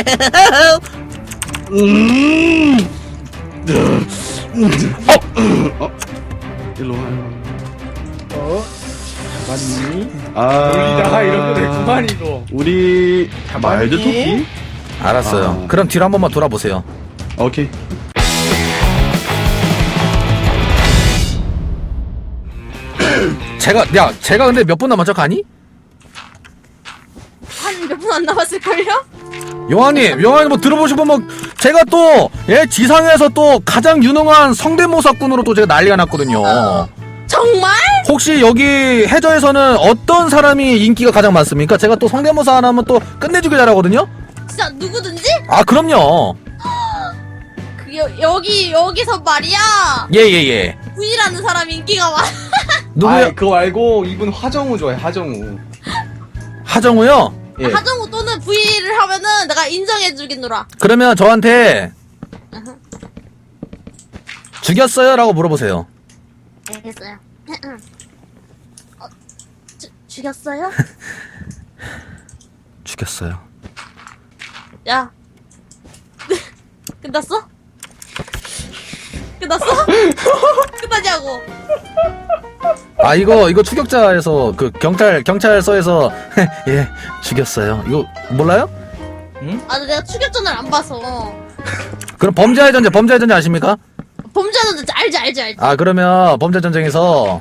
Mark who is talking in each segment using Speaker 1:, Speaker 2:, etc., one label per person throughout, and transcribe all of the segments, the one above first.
Speaker 1: 일로 와.
Speaker 2: 맞니?
Speaker 1: 아.
Speaker 2: 놀리다가 이런 거 됐구만 이거.
Speaker 1: 우리 말드 토끼?
Speaker 3: 알았어요.
Speaker 1: 아.
Speaker 3: 그럼 뒤로 한 번만 돌아보세요.
Speaker 1: 오케이.
Speaker 3: 제가 근데 몇 분 남았죠, 가니?
Speaker 4: 한 몇 분 안 남았을걸요?
Speaker 3: 용환님 뭐 들어보시면 뭐 제가 또 지상에서 또 가장 유능한 성대모사꾼으로 또 제가 난리가 났거든요.
Speaker 4: 정말?
Speaker 3: 혹시 여기 해저에서는 어떤 사람이 인기가 가장 많습니까? 제가 또 성대모사 하나 하면 또 끝내주게 잘하거든요.
Speaker 4: 진짜 누구든지?
Speaker 3: 아 그럼요.
Speaker 4: 여기서 말이야.
Speaker 3: 예예예.
Speaker 4: V라는 사람이 인기가 많아.
Speaker 3: 누구요?
Speaker 2: 아, 그거 말고 이분 화정우 좋아해. 화정우.
Speaker 3: 하정우요.
Speaker 2: 예.
Speaker 4: 하정우 또는 V를 하면은 내가 인정해주겠노라.
Speaker 3: 그러면 저한테 죽였어요라고 물어보세요.
Speaker 4: 알겠어요. 죽였어요?
Speaker 3: 죽였어요.
Speaker 4: 야. 끝났어? 끝났어? 끝나냐고.
Speaker 3: 아 이거 추격자에서 그 경찰서에서 예 죽였어요. 이거 몰라요?
Speaker 4: 아, 내가 추격전을 안 봐서.
Speaker 3: 그럼 범죄의 전쟁 아십니까?
Speaker 4: 범죄는 알지.
Speaker 3: 아 그러면 범죄 전쟁에서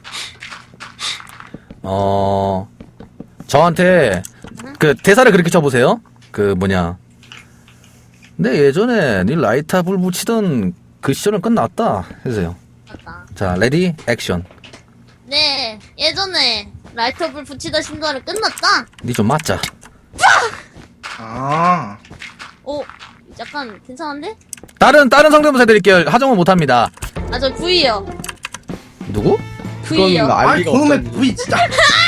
Speaker 3: 저한테 그 대사를 그렇게 쳐보세요. 그 뭐냐? 근데 예전에 니 라이터 불 붙이던 그 시절은 끝났다 해주세요.
Speaker 4: 맞다.
Speaker 3: 자 레디 액션.
Speaker 4: 네, 예전에 라이터불 붙이던 신도는 끝났다.
Speaker 3: 니 좀 맞자.
Speaker 2: 아.
Speaker 4: 오, 약간 괜찮은데?
Speaker 3: 다른 성대모사 드릴게요. 하정우 못합니다.
Speaker 4: 아, 저 V요.
Speaker 3: 누구?
Speaker 4: V요.
Speaker 2: 그건 알
Speaker 1: 아니
Speaker 2: 리가
Speaker 1: 그놈의
Speaker 2: 없잖니.
Speaker 1: 부위 진짜.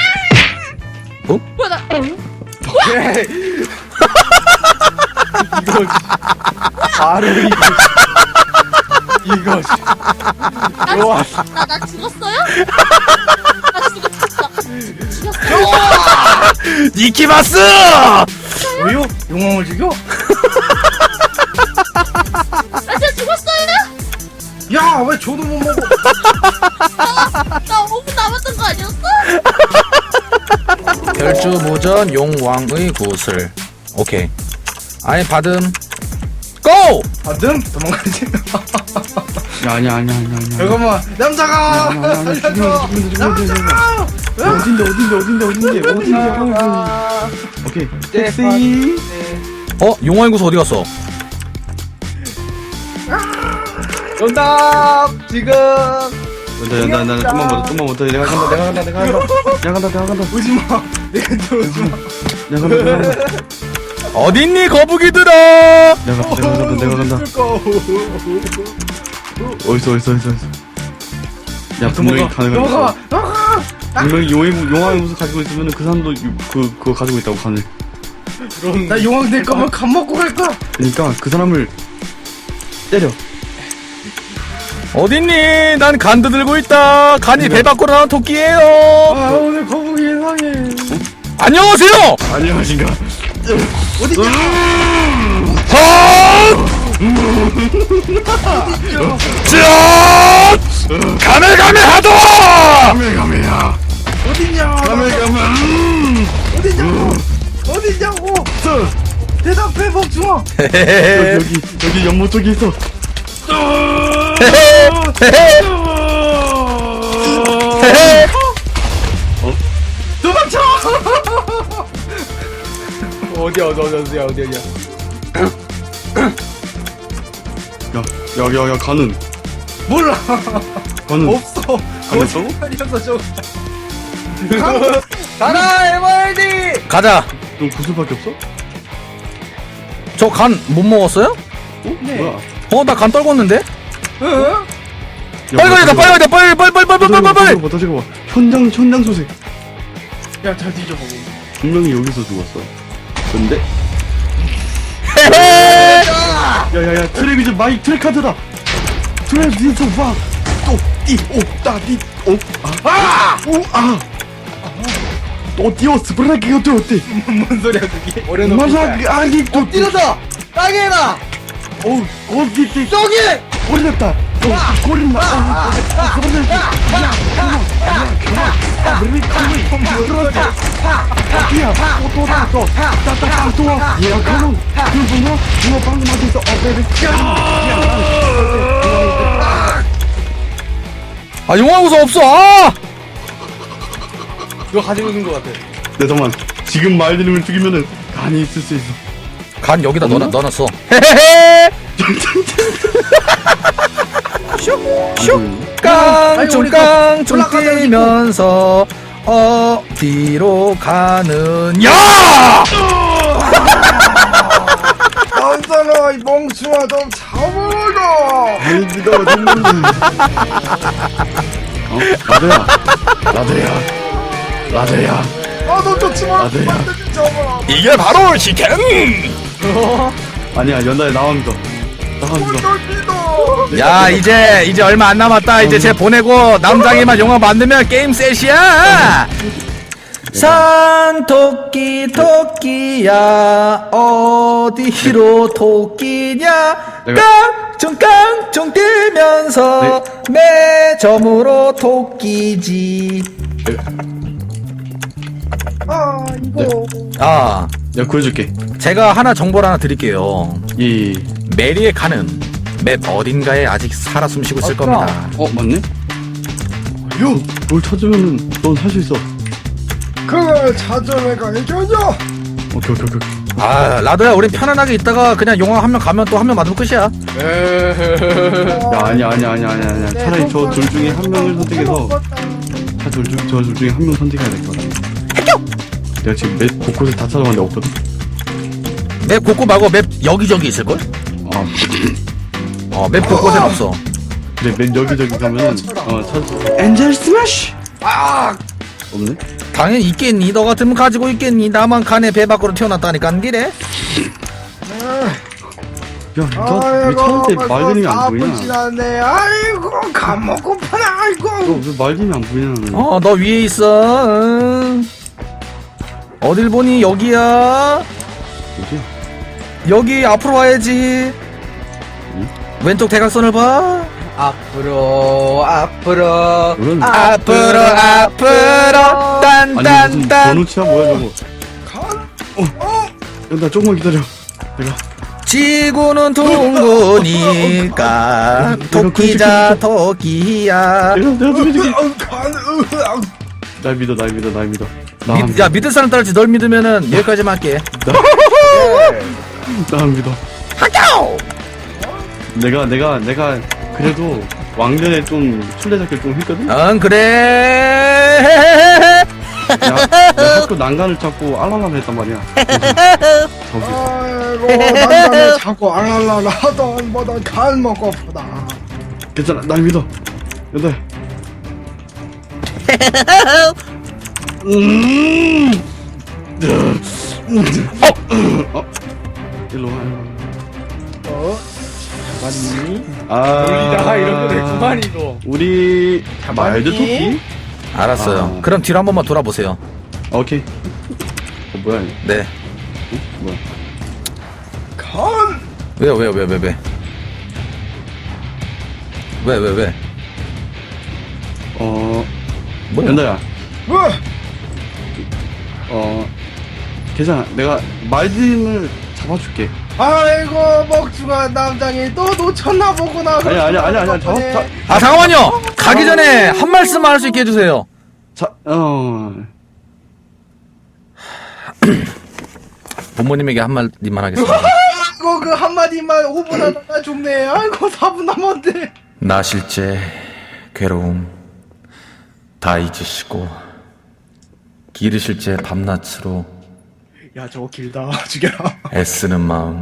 Speaker 4: 뭐야, 나.
Speaker 2: 이거 바로 이거
Speaker 4: 나 죽었어요? 나 죽었어.
Speaker 3: 니키마스!
Speaker 2: 왜요? 용왕을 죽여?
Speaker 4: 나 진짜 죽었어요?
Speaker 2: 야, 왜 저도 못 먹어?
Speaker 4: 나 5분 남았던 거 아니었어?
Speaker 3: 별주무전 용왕의 구슬. 오케이. 아니 받음. 고!
Speaker 2: 받음? 도망가지.
Speaker 1: 아니야.
Speaker 2: 잠깐만, 남자가 살려줘. 남자가.
Speaker 1: 어딘데? 오케이. 섹시.
Speaker 3: 용왕의 구슬 어디 갔어?
Speaker 2: 정답 지금.
Speaker 1: 나 좀만 못해. 내가 간다.
Speaker 2: 오지마. 내가 들어오지마.
Speaker 1: 내가 간다.
Speaker 3: 어딨니 거북이들아?
Speaker 1: 내가 간다. 어딨어. 야 분명히 가능하다. 분명히 용왕의 무슨 가지고 있으면 그 사람도 그거 가지고 있다고 간을.
Speaker 2: 나 용왕 될 거면 간 먹고 갈 거야.
Speaker 1: 그러니까 그 사람을 때려.
Speaker 3: 어딨니? 난 간도 들고 있다. 간이 배 밖으로 나온 토끼예요.
Speaker 2: 아, 오늘 거북이 이상해.
Speaker 3: 안녕하세요.
Speaker 1: 안녕하신가?
Speaker 2: 어디냐?
Speaker 3: 가메가메하도!
Speaker 1: 가메가메야.
Speaker 2: 어디냐?
Speaker 1: 가메가메.
Speaker 2: 어디냐고? 대답해 복숭아.
Speaker 1: 여기 연못 쪽에 있어.
Speaker 2: 도망쳐. 어디야?
Speaker 1: 야 가는.
Speaker 2: 몰라.
Speaker 1: 가는.
Speaker 2: 없어.
Speaker 1: 안 했어?
Speaker 2: 거짓말이었어 저. 가라 MRD.
Speaker 3: 가자.
Speaker 1: 너 구슬밖에 없어?
Speaker 3: 저 간 못 먹었어요?
Speaker 2: 네.
Speaker 1: 뭐야?
Speaker 3: 나 간 떨궜는데?
Speaker 2: 응?
Speaker 3: 빨리 가야 돼. 빨리.
Speaker 1: 다시 봐. 현장 소식.
Speaker 2: 야잘 뒤져보고.
Speaker 1: 분명히 여기서 죽었어. 근데 야야야 트레비즈 마이 트레카드다. 트레비즈 와. 어디였어? 브라기 어때?
Speaker 2: 뭔 소리야 그게? 어려놓고.
Speaker 1: 맞아, 아기 또
Speaker 2: 엎드려서 땅에 놔.
Speaker 1: 어우, 어디
Speaker 2: 저기.
Speaker 1: 걸렸다. 걸린다.
Speaker 3: 아 용화 우수 없어. 아!
Speaker 2: 이거 가지고 있는 것 같아.
Speaker 1: 네, 잠깐만. 지금 말들을 죽이면은 간이 있을 수 있어.
Speaker 3: 간 여기다
Speaker 1: 없나?
Speaker 3: 넣어놨어. 헤헤헤. 깡총깡총 뛰면서 어디로 가느냐?
Speaker 2: 남자가 이 멍충아 좀 잡아라.
Speaker 1: 아이디가 됐는데. 라드야. 라드야.
Speaker 2: 아너 좋지 마.
Speaker 1: 라드야.
Speaker 2: 잡아라.
Speaker 3: 이게 바로 시켄.
Speaker 1: 아니야, 연달에 나와 믿어.
Speaker 3: 야 이제 얼마 안 남았다. 이제 쟤 보내고 남장이만 용화 만들면 게임 셋이야. 산 토끼야 어디로 토끼냐?
Speaker 1: 내가-
Speaker 3: 깡총 뛰면서 매점으로 토끼지.
Speaker 2: 아 이거.
Speaker 3: 아
Speaker 1: 내가 구해줄게.
Speaker 3: 제가 하나 정보를 하나 드릴게요.
Speaker 1: 이,
Speaker 3: 메리의 칸은 맵 어딘가에 아직 살아 숨쉬고 있을 겁니다.
Speaker 1: 맞네? 형, 뭘 찾으면은 넌 살 수 있어.
Speaker 2: 그걸 찾아내 가야죠.
Speaker 1: 오케이.
Speaker 3: 아 라도야 우린 편안하게 있다가 그냥 용왕 한 명 가면 또 한 명 맞으면 끝이야.
Speaker 1: 야, 아니야. 차라리 저 둘 중에 한 명을 선택해서, 저 둘 중에 한 명 선택해야 될 것 같아. 내가 지금 맵 곳곳에 다 찾아봤는데 없거든?
Speaker 3: 맵 곳곳 말고 맵 여기저기 있을걸?
Speaker 1: 아,
Speaker 3: 맵 곳곳엔 없어.
Speaker 1: 그래, 맨 여기저기 가면은, 찾 엔젤 스매시! 없네?
Speaker 3: 당연히 있겠니. 너 같으면 가지고 있겠니. 나만 칸에 배 밖으로 튀어났다니까 안 그래?
Speaker 1: 야, 너왜 찾을 때 말들이 안 보이냐?
Speaker 2: 지났네. 아이고 간 먹고파나. 아이고.
Speaker 1: 너왜 말들이 안 보이냐?
Speaker 3: 너 위에 있어. 어딜 보니? 여기야.
Speaker 1: 뭐지?
Speaker 3: 여기 앞으로 와야지. 왼쪽 대각선을 봐.
Speaker 2: 앞으로.
Speaker 1: 이건
Speaker 3: 앞으로
Speaker 1: 아니 무슨
Speaker 3: 딴딴딴.
Speaker 1: 번호치야 뭐야 저거? 나 조금만 기다려. 내가
Speaker 3: 지구는 둥그니까 토끼자 토끼야.
Speaker 1: 내가 좀 해줄게. 날 믿어.
Speaker 3: 야 믿을 사람 따르지. 널 믿으면은 여기까지만 할게.
Speaker 1: 나 믿어.
Speaker 3: 학교.
Speaker 1: 내가 그래도 왕년에 좀 술래잡기를 좀 했거든.
Speaker 3: 응 그래.
Speaker 1: 내가 학교 난간을 찾고 알랄랄 했단 말이야. 저기서
Speaker 2: 아이고 난간에 자꾸 알랄랄 하던 뭐던 간 먹고파다.
Speaker 1: 괜찮아. 날 믿어. 여덟. 일로 와.
Speaker 2: 맞니?
Speaker 1: 아,
Speaker 2: 이런 거 됐구만 이거.
Speaker 1: 우리 말드 토끼?
Speaker 3: 알았어요.
Speaker 1: 아.
Speaker 3: 그럼 뒤로 한 번만 돌아보세요.
Speaker 1: 오케이. 뭐야? 이거?
Speaker 3: 네.
Speaker 1: 뭐야?
Speaker 2: 간.
Speaker 3: 왜요? 왜? 뭐야?
Speaker 1: 연다야.
Speaker 2: 뭐?
Speaker 1: 괜찮아. 내가 말드를 잡아줄게.
Speaker 2: 아이고 먹주가 남장이 또 놓쳤나 보구나.
Speaker 1: 아니야.
Speaker 3: 아 잠깐만요. 가기 전에 한 말씀만 할 수 있게 해주세요. 부모님에게 한 마디만 하겠습니다.
Speaker 2: 아이고 그 한마디만 5분 하다가 죽네. 아이고 4분 남았는데.
Speaker 3: 나 실제 괴로움 다 잊으시고 기르실 제 밤낮으로
Speaker 2: 야 저거 길다. 죽여라.
Speaker 3: 애쓰는 마음.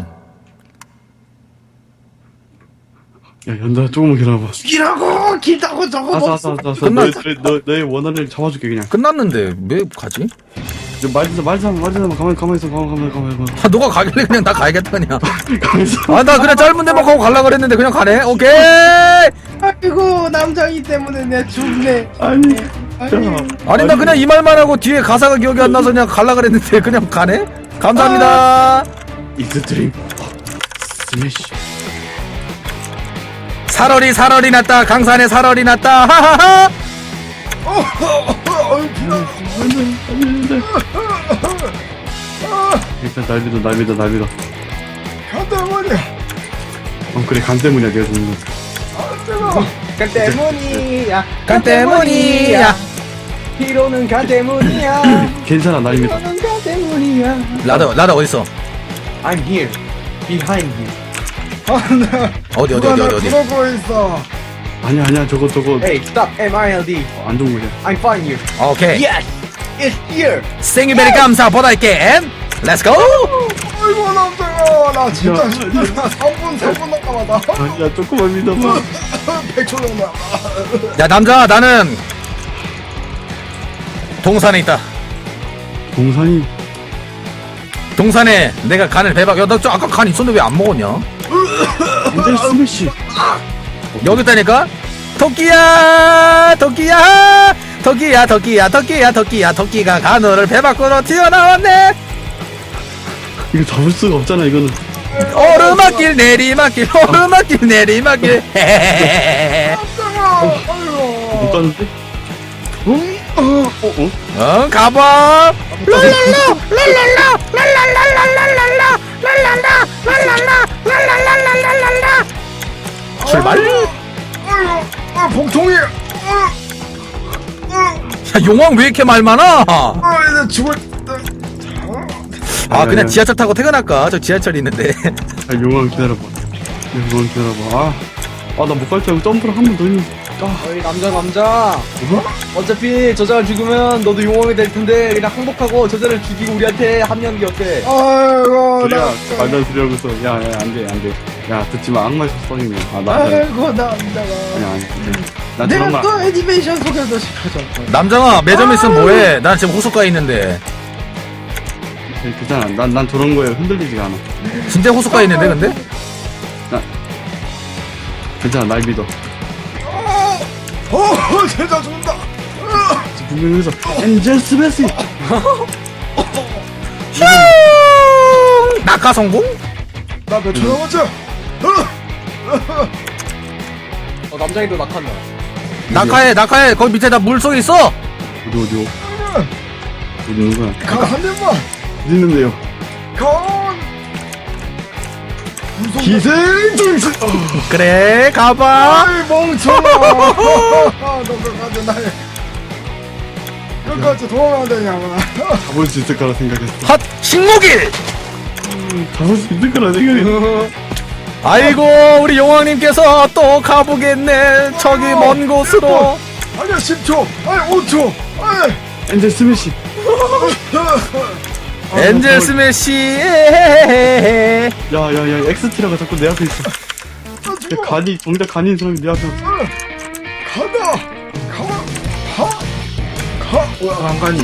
Speaker 1: 야, 연다야, 조금만 기다려봐.
Speaker 2: 죽이라고. 길다고 저거
Speaker 1: 알았어. 너의 원한을 잡아줄게, 그냥.
Speaker 3: 끝났는데 왜 가지?
Speaker 1: 말드 가만히 있어.
Speaker 3: 아 너가 가길래 그냥 나 가야겠다 그냥.
Speaker 1: 가만히 있어.
Speaker 3: 아 나 그냥 짧은 데만 가고 갈라 그랬는데 그냥 가네. 오케이.
Speaker 2: 아이고 남장이 때문에 내 죽네.
Speaker 1: 아니,
Speaker 3: 아니 나 그냥 이 말만 하고 뒤에 가사가 기억이 안 나서 그냥 갈라 그랬는데 그냥 가네? 감사합니다.
Speaker 1: It's a dream. 스매시.
Speaker 3: 살얼이 났다. 강산에 살얼이 났다. 하하하.
Speaker 1: 일단 날 믿어, 날 믿어, 날 믿어.
Speaker 2: 간 때문이야.
Speaker 1: 그래, 간 때문이야, 내가 죽는 거.
Speaker 2: 간 때문이야.
Speaker 3: 간 때문이야.
Speaker 2: 히로는 간 때문이야.
Speaker 1: 괜찮아, 날 믿어.
Speaker 2: 히로는 간 때문이야.
Speaker 3: 라다 어딨어?
Speaker 2: I'm here. Behind you.
Speaker 3: 어디
Speaker 2: 그러고 있어.
Speaker 1: 아니야, 저거.
Speaker 2: Hey, stop. MILD.
Speaker 1: 안 좋은 거야.
Speaker 2: I'm find you.
Speaker 3: 오케이.
Speaker 2: Yes, it's here.
Speaker 3: 생유베리 감사 보다이게 렛츠고.
Speaker 2: 아이고 남자야, 나 진짜 3분 남았다.
Speaker 1: 아니야, 조금만 믿어봐.
Speaker 2: 100초 정도.
Speaker 3: 야 남자 나는 동산에 있다. 동산에 내가 간을 배박. 야나 아까 간 있었는데 왜 안 먹었냐?
Speaker 1: 엔젤 스매시.
Speaker 3: 여기 있다니까? 토끼야 토끼가 간호를 배 밖으로 튀어나왔네.
Speaker 1: 이거 잡을 수가 없잖아, 이거는.
Speaker 3: 오르막길 내리막길 헤헤헤헤.
Speaker 1: 못 가는데?
Speaker 3: 가봐. 출발.
Speaker 2: 봉통이.
Speaker 3: 야 용왕 왜 이렇게 말 많아?
Speaker 2: 이제 죽을.
Speaker 3: 아 그냥 지하철 타고 퇴근할까? 저 지하철이 있는데.
Speaker 1: 용왕 기다려봐. 나 못 갈 줄 알고 점프를 한 번 더 했는데.
Speaker 2: 어이 남자. 어차피 저자를 죽으면 너도 용왕이 될 텐데 그냥 항복하고 저자를 죽이고 우리한테 합류하는 게 어때? 아이고
Speaker 1: 야, 말도 안 소리 하고 있어. 야, 안 돼. 야, 듣지 마. 악마의 속성이네. 나.
Speaker 2: 아이고 남자가.
Speaker 1: 아니. 난
Speaker 2: 내가
Speaker 1: 저런 말.
Speaker 2: 또 애니메이션 소개도 시켜줘.
Speaker 3: 남장아 매점 있으면 뭐해? 난 지금 호숫가에 있는데.
Speaker 1: 괜찮아. 난 저런 거에 흔들리지가 않아.
Speaker 3: 진짜 호숫가에 있는데 근데?
Speaker 1: 괜찮아. 날 믿어.
Speaker 2: 진짜 죽는다.
Speaker 1: 분명히 여기서 엔젤 스매시.
Speaker 3: 휴! 낙하 성공?
Speaker 2: 나 몇 초 남았지? 남장이도 낙한다.
Speaker 3: 낙하해 거기 밑에 나 물속에 있어.
Speaker 1: 어디 있는 거야?
Speaker 2: 한 입만.
Speaker 1: 어디 있는데요? 기생충.
Speaker 3: 그래 가봐.
Speaker 2: 아이 멍청아. 너 끝까지 날 끝까지 도망가야 되냐구나.
Speaker 1: 잡을 수 있을 거라 생각했어.
Speaker 3: 핫 식목일.
Speaker 1: 잡을 수 있을 거라 생각했어.
Speaker 3: 아이고 우리 용왕님께서 또 가보겠네. 저기 먼 곳으로.
Speaker 2: 아니야 10초. 아니 5초. 아니.
Speaker 1: 엔젤 스매시.
Speaker 3: 엔젤 스매시.
Speaker 1: 야, 엑스티라가 자꾸 내 앞에 있어. 야, 정작 간이 있는 사람이 내 앞에 있어.
Speaker 2: 간간이.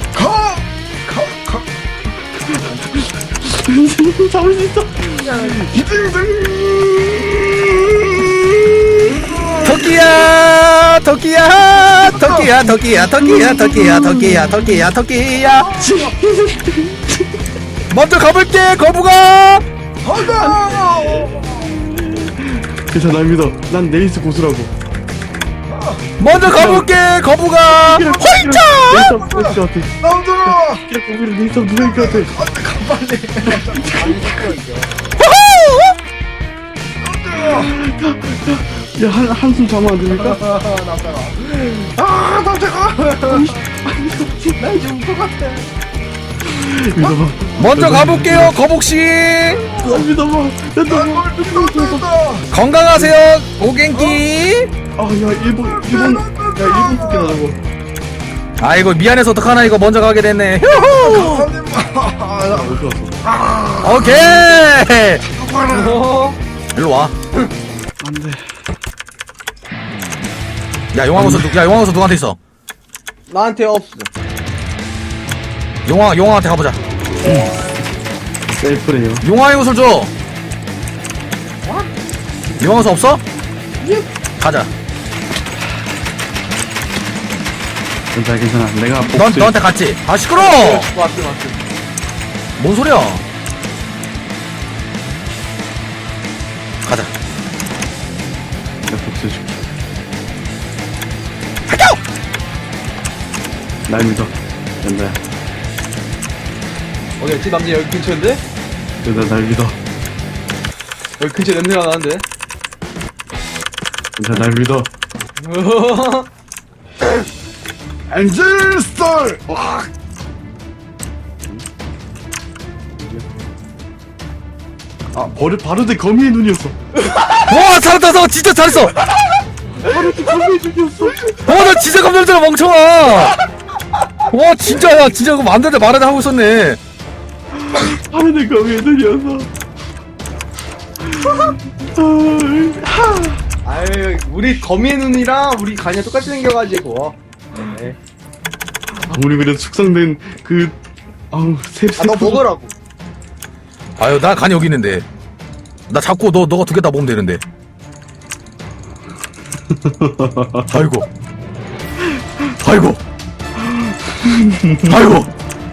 Speaker 1: 잡을 수 있어.
Speaker 3: 토끼야. 먼저 가볼게 거북아.
Speaker 1: 괜찮아, 날 믿어. 난 네이스 고수라고.
Speaker 3: 먼저 가볼게 거북아. 홀짝.
Speaker 1: 네이스 누가 이길 것 같아?
Speaker 2: 남들아.
Speaker 1: 네이스 누가 이길 것 같아? 야, 한숨 자면 안 됩니까?
Speaker 2: 남자가. 날 죽을 것 같아.
Speaker 1: 믿어봐.
Speaker 3: 먼저 가볼게요 거북씨.
Speaker 1: 믿어봐.
Speaker 2: 널 믿는다.
Speaker 3: 건강하세요 오갱기.
Speaker 1: 야, 일본 뽑기 나라고.
Speaker 3: 아이고 미안해서 어떡하나 이거 먼저 가게 됐네. 휴후.
Speaker 2: 한 입만.
Speaker 1: 어디 갔어?
Speaker 3: 오케이. 일로 와.
Speaker 1: 안 돼.
Speaker 3: 야 용왕호수 누구한테 있어?
Speaker 2: 나한테 없어.
Speaker 3: 용왕한테 가보자.
Speaker 1: 셀프래요.
Speaker 3: 용왕의 옷을 줘. 용왕호수 없어? 가자.
Speaker 1: 괜찮아 괜찮아. 내가 복수.
Speaker 3: 너한테 갔지? 아 시끄러.
Speaker 2: 맞지 맞지.
Speaker 3: 뭔 소리야? 가자.
Speaker 1: 내가 복수해줄게.
Speaker 3: 할게요.
Speaker 1: 날 믿어. 연다야.
Speaker 2: 어디였지? 남자 여기 근처인데?
Speaker 1: 연다 날 믿어.
Speaker 2: 여기 근처 냄새가 나는데?
Speaker 1: 연다 날 믿어. 엔젤 스타일. 와. 아 바로 내 거미의 눈이었어.
Speaker 3: 와 잘했다 너 진짜 잘했어.
Speaker 1: 바로 내 거미의 눈이었어.
Speaker 3: 나 진짜 깜짝 놀랐잖아 멍청아. 와 진짜 야 진짜 그거 만들때 말하자 하고 있었네.
Speaker 1: 바로 내 거미의 눈이었어.
Speaker 2: 아유 우리 거미의 눈이랑 우리 간이랑 똑같이 생겨가지고. 네.
Speaker 1: 우리 그래도 숙성된 그 아우
Speaker 2: 너 먹으라고.
Speaker 3: 아유 나 간이 여기 있는데. 나 자꾸 너가 두 개 다 먹으면 되는데. 아이고. 아이고. 아이고.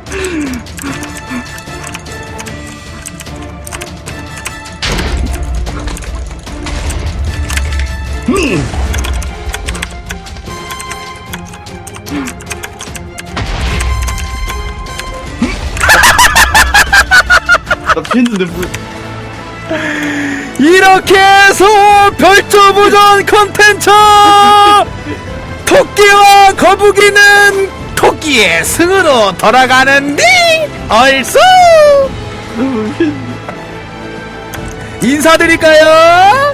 Speaker 1: 나 피했는데 뭐.
Speaker 3: 이렇게 해서 별조부전 컨텐츠 토끼와 거북이는 토끼의 승으로 돌아가는데 얼쑤 인사드릴까요?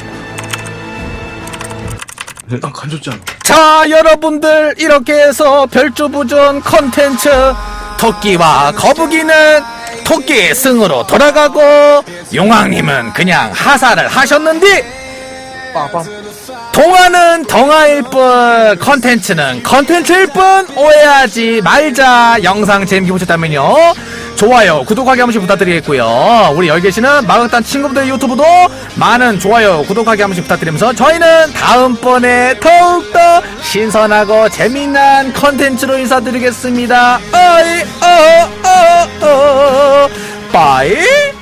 Speaker 1: 난 간줬잖아.
Speaker 3: 자 여러분들 이렇게 해서 별조부전 컨텐츠 토끼와 거북이는 토끼의 승으로 돌아가고 용왕님은 그냥 하사를 하셨는데
Speaker 2: 빠밤.
Speaker 3: 동화는 동화일 뿐 컨텐츠는 컨텐츠일 뿐 오해하지 말자. 영상 재밌게 보셨다면요 좋아요 구독하기 한 번씩 부탁드리겠고요 우리 여기 계시는 마극단 친구들 유튜브도 많은 좋아요 구독하기 한 번씩 부탁드리면서 저희는 다음번에 더욱더 신선하고 재미난 컨텐츠로 인사드리겠습니다. 빠이